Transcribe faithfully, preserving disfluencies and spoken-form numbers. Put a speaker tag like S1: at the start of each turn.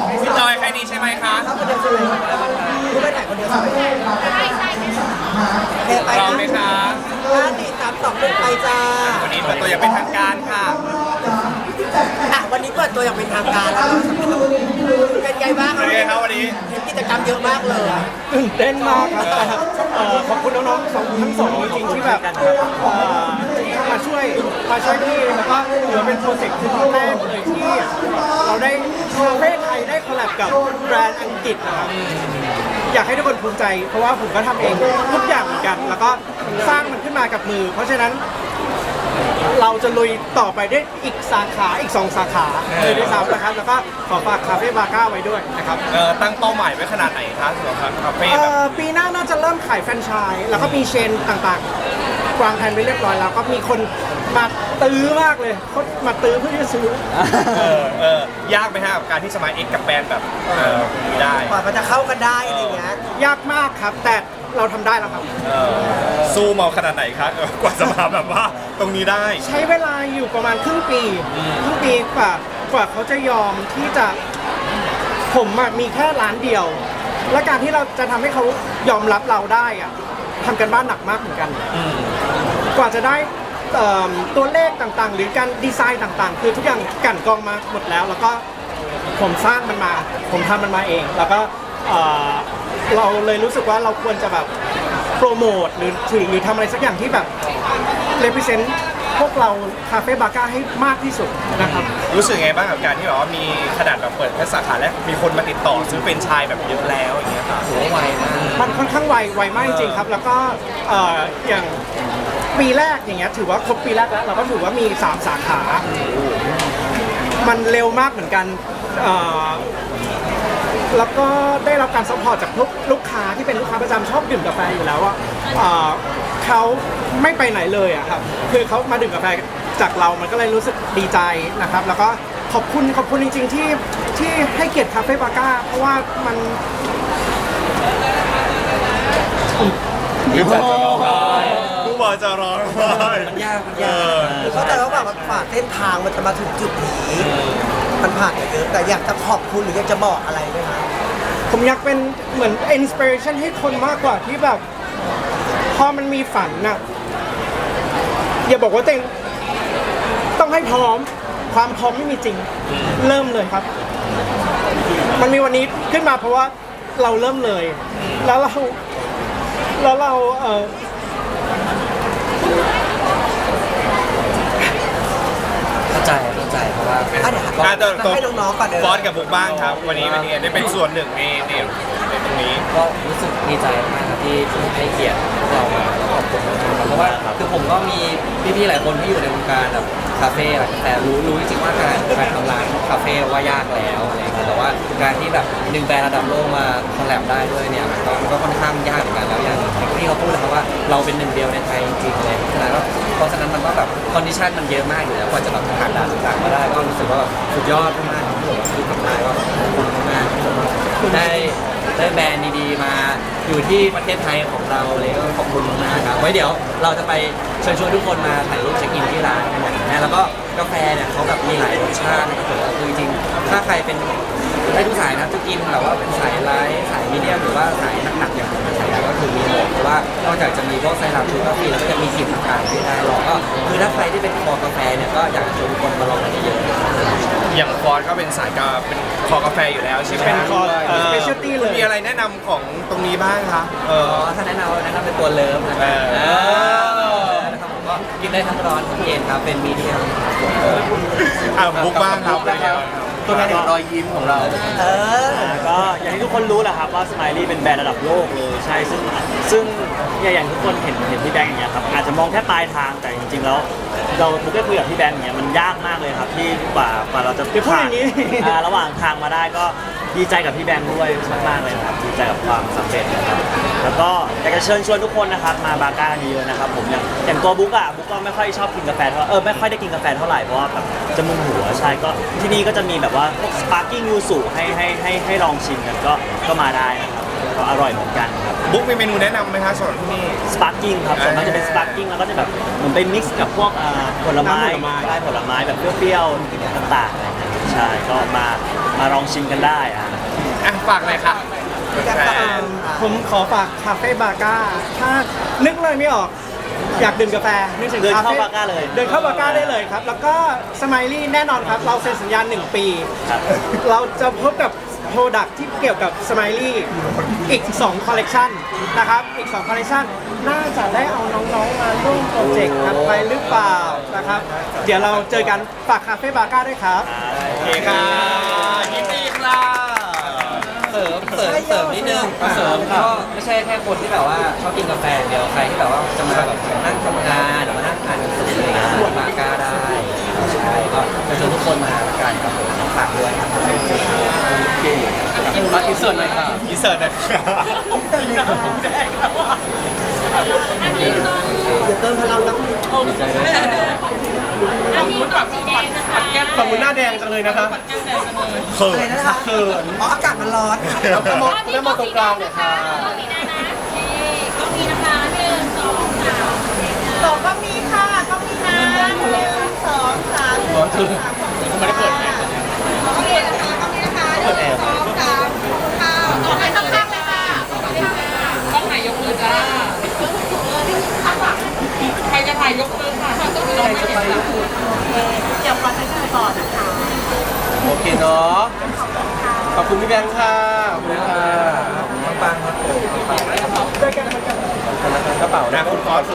S1: พี่จอยใครดีใช่ไหมคะ
S2: ครับคนเดียวใช่ไหมรู้ไปไหนคนเดียวใช่ไหมใช่ใช่ใช่ไป
S1: พร้อมไหมคะ
S2: ห้าสี่สามสองหนึ่งไปจ้า
S1: วันนี้เปิดตัวอย่างเป็นทางการค่ะ
S2: อ่ะวันนี้เปิดตัวอย่างเป็นทางการแล้วเป็นไงบ้าง
S1: เป็นไงครับวันนี้
S2: เห็นกิจกรรมเยอะมากเลย
S3: ตื่นเต้นมากครับเอ่อขอบคุณน้องๆสองทั้งสองจริงๆที่แบบเอ่อมาช่วยมาช่วยพี่แล้วก็ถือว่าเป็นโปรเจกต์แรกเลยที่เราได้คาเฟ่ไทยได้คอลแลบกับแบรนด์อังกฤษนะครับอยากให้ทุกคนภูมิใจเพราะว่าผมก็ทำเองทุกอย่างเหมือนกัน แล้วก็สร้างมันขึ้นมากับมือ เพราะฉะนั้นเราจะลุยต่อไปได้อีกสาขาอีกสองสาขาเลยด้วยซ้ำนะครับแล้วก็ขอฝากคาเฟ่บาก้าไว้ด้วยนะครับ
S1: เอ่อตั้งเป้าหมายไว้ขนาดไหนคะสำหรับคาเฟ่
S3: เอ่
S1: แบบ
S3: อปีหน้าน่าจะเริ่มขายแฟรนไชส์แล้วก็มีเชนต่างๆวางแผนไว้เรียบร้อยแล้วก็มีคนมาตื้อมากเลยเขามาตื้อเพื่อที่จะซื้อ
S1: เออเออยากไหมฮะกับการที่จะมาเอ็กกับแบรนด์แบบเออนี้ได้
S2: กว่ามันจะเข้ากันได้อะไรเงี้ย
S3: ยากมากครับ แต่เราทำได้แล้วครับ
S1: เออสู้มาขนาดไหนคะเออกว่าจะมาแบบว่าตรงนี้ได้
S3: ใช้เวลาอยู่ประมาณครึ่งปีครึ่งปีกว่ากว่าเขาจะยอมที่จะผมอะมีแค่ร้านเดียว และการที่เราจะทำให้เขายอมรับเราได้อะทำกันบ้านหนักมากเหมือนกัน กว่าจะได้เอ่อตัวเลขต่างๆ หรือการดีไซน์ต่างๆ คือทุกอย่างกลั่นกรองมาหมดแล้ว แล้วก็ผมสร้างมันมา ผมทำมันมาเอง แล้วก็เอ่อเราเลยรู้สึกว่าเราควรจะแบบโปรโมทหรือถือหรือทำอะไรสักอย่างที่แบบ represent พวกเราคาเฟ่บาก้าให้มากที่สุดนะครับ
S1: รู้สึกไงบ้างกับการที่แบบว่ามีขนาดแบบเปิดแค่สาขาแรกมีคนมาติดต่อซื้อเป็นไชายแบบเยอะแล้วอย่างเงี้ยค่ะโหไวมาก
S3: มันค่อนข้างไวไวมากจริงๆครับ แล้วก็เอ่ออย่างปีแรกอย่างเงี้ยถือว่าครบปีแรกแล้วเราก็ถือว่ามีสามสาขา มันเร็วมากเหมือนกันเอ่อแล้วก็ได้รับการซัพพอร์ตจากลูกลูกค้าที่เป็นลูกค้าประจำชอบดื่มกาแฟอยู่แล้วอ่ะเอ่อเขาไม่ไปไหนเลยอะครับคือเขามาดื่มกาแฟจากเรามันก็เลยรู้สึกดีใจนะครับ แล้วก็ขอบคุณขอบคุณจริงๆที่ที่ให้เกียรติคาเฟ่บาก้าเพราะว่ามัน
S1: ผู้บอกจะร้องไห้ผู้บอกจะร้องไห้
S4: มันยากมัน
S1: เอย
S4: าก
S1: อ
S2: คือเข้าใจว่าแบบมันผ่านเส้นทางมันจะมาถึงจุดนี้มันผ่านมาเยอะแต่อยากจะขอบคุณหรืออยากจะบอกอะไรไหมคะ
S3: ผมอยากเป็นเหมือนอินสปิเรชันให้คนมากกว่าที่แบบพอมันมีฝันน่ะอย่าบอกว่าตัวเองต้องให้พร้อมความพร้อมไม่มีจริงเริ่มเลยครับ มันมีวันนี้ขึ้นมาเพราะว่าเราเริ่มเลย แล้วเราแล้วเราเออ
S4: เข้าใจเข้าใจเพราะว่า
S2: อ่ะเดี๋ยว
S1: อ่ะตัวตัว
S2: ให้น้องๆก่อนเดี๋ยว
S1: ฟอนกับบุ๊กบ้างครับ วันนี้เป็นยังไงได้เป็นส่วนหนึ่งในในในตรงนี้
S4: ก็รู้สึกดีใจมากครับที่ที่ให้เกียรติเรามาแล้วขอบคุณมากๆครับเพราะว่าคือผมก็มีพี่ๆหลายคนที่อยู่ในวงการแบบคาเฟ่แหละแต่รู้รู้จริงๆว่าการการทำร้านคาเฟ่ว่ายากแล้วอะไรอย่างเงี้ยแต่ว่าการที่แบบหนึ่งแบรนด์ระดับโลกมาคอลแลบได้ด้วยเนี่ยมันก็มันก็ค่อนข้างยากเหมือนกันแล้วอย่างที่เขาพูดนะครับว่าเราเป็นหนึ่งเดียวในไทยจริงๆเลยฉะนั้นก็เพราะฉะนั้นมันก็แบบคอนดิชันมันเยอะมากอยู่แล้วกว่าจะแบบผ่านด่านต่างๆมาได้ก็รู้สึกว่าแบบสุดยอดมากๆที่ผมที่ทำได้ก็ขอบคุณมากๆที่ผมได้ได้แบรนด์ดีๆมาอยู่ที่ประเทศไทยของเราเลยก็ขอบคุณมากครับไว้เดี๋ยวเราจะไปเชิญชวนทุกคนมาถ่ายรูปเช็คอินที่ร้านกันนะแล้วก็กาแฟเนี่ยเขาแบบมีหลายรสชาตินะครับคือจริงๆถ้าใครเป็นได้ทุกสายนะจะกินแบบว่าเป็นสายไลท์สายมีเดียมหรือว่าสายหนักๆอย่างผมสายก็คือมีหมดเพราะว่านอกจากจะมีพวกไซรัปชูกาแฟแล้วก็จะมีกลิ่นต่างๆที่ได้ลองก็คือถ้าใครที่เป็นคอกาแฟเนี่ยก็อยากจะชวนทุกคนมาลองกันเยอะๆ
S1: อย่างฟอนก็เป็นสายกาเป็นคอกาแฟอยู่แล้วใช่ไหม
S3: เป็นคอ
S1: เออ
S3: specialty เลย
S1: มีอะไรแนะนำของตรงนี้บ้างคะเออ
S4: อ๋อถ้าแนะนำแนะนำเป็นตัวเลิฟนะครับ
S1: เออ
S4: นะครับผมก็กินได้ทั้งร้อนทั้งเย็นครับเป็นมีเดียม
S1: อ่ะบุ๊กบ้างครับเป็นไงบ้างครับ
S4: ตัวแทนแห่งรอยยิ้มของเรา
S2: เออ
S5: ก็อย่างที่ทุกคนรู้แหละครับว่าสไมลี่เป็นแบรนด์ระดับโลกเลยใช่ซึ่งซึ่งอย่างอย่างทุกคนเห็นเห็นพี่แบงค์อย่างเงี้ยครับอาจจะมองแค่ปลายทางแต่จริงๆแล้วเราบุกได้คุยกับพี่แบงค์อย่างเงี้ยมันยากมากเลยครับที่กว่ากว่าเราจะ
S3: อย่าพูดอย่างนี้
S5: อ่าระหว่างทางมาได้ก็ดีใจกับพี่แบงค์ด้วยมากๆเลยนะครับดีใจกับความสำเร็จนะครับแล้วก็อยากจะเชิญชวนทุกคนนะครับมาบาก้าเยอะๆนะครับผมอย่างอย่างตัวบุ๊กอะบุ๊กก็ไม่ค่อยชอบกินกาแฟเท่าเออไม่ค่อยได้กินกาแฟเท่าไหร่เพราะว่าแบบจะมึนหัวใช่ก็ที่นี่ก็จะมีแบบว่าพวกสปาร์กิ้งยูสุให้ให้ให้ให้ลองชิมกันก็ก็มาได้นะครับก็อร่อยเหมือนกันครับ
S1: บุ๊กมีเมนูแนะนำไหมคะสำหรับที่นี่
S5: สปาร์กิ้งครับส่วนมากจะเป็นสปาร์กิ้งแล้วก็จะแบบเหมือนไปมิกซ์กับพวกอ่าผลไม้
S3: น้ำผลไม้
S5: ได้ผลไม้แบบเปรี้ยวๆต่างๆอะไรอย่างเงี้ยใช่ช่ก็มามาลองชิมกันได้อ่ะ
S1: อ่ะฝากเลยค่ะ
S2: อยากจะ
S1: แฟ
S2: อ่าน น
S3: ผมขอฝากคาเฟ่บาก้าถ้านึกเลยไม่ออก อยากดื่มกาแฟนึกถึง
S5: เดิน
S3: คา
S5: เข้า
S3: เฟ่
S5: บาก้าเลย
S3: เดินเข้าบาก้าได้เลยครับ แล้วก็สไมลี่แน่นอนครับ เราเซ็นสัญญาหนึ่งปี
S5: ครับ
S3: เราจะพบกับโปรดักที่เกี่ยวกับสไมลี่อีก2คอลเลกชันนะครับ อีก2คอลเลกชันน่าจะได้เอาน้องๆมาร่วมโปรเจกต์กันไปหรือเปล่านะครับ เดี๋ยวเราเจอกันฝากคาเฟ่บาก้าด้วยครับ
S1: โอเคค่ะยินดีค่ะ
S4: เสริมเสริมเสริมนิดนึงเสริมก็ไม่ใช่แค่คนที่แบบว่าชอบกินกาแฟอย่างเดียวใครที่แบบว่าจะมาแบบนั่งทำงานหรือมานั่งอ่านหนังสืออะไรอย่างเงี้ยมาก้าได้ใช่ก็จะชวนทุกคนมาละกันครับผมฝากด้วยครับโอเคมาอินเสิร์ตหน่อยค่ะ
S1: อินเสิร์ตหนะ
S2: เดี๋ยวเติมพลังน้ำ
S4: ดีใจด้วย
S1: ฝั่งมือหน้าแดงจังเลยนะคะเขิ
S2: อะไร
S1: น
S2: นะคะ
S1: เขิน
S2: อ๋ออากาศมันร้อน
S1: แล้วก็มองแล้วมองตรงกลางเนี่ยค่ะ
S6: ก็มีนะคะหนึ่งสองสามสองก็มีค่ะก็มีนะหนึ่งสองสาม
S1: ร้อนคือไม่ได้เปิดแอร์
S6: ก็มีนะคะก็มีนะคะหนึ่งสองสามค่ะต่อไปข้างๆเลยค่ะกล้องไหนยกมือจ้าข้างหลังใครจะถ่ายยกมือค่ะใครจะถ่ายยกมือเดี๋ยวขอให้ดูก่อนนะคะ
S1: โอเคเนาะขอบคุณพี่แบงค์ค่ะขอบคุณค่ะ
S4: ปังๆครับผม
S1: กระเป๋านะคุณฟอส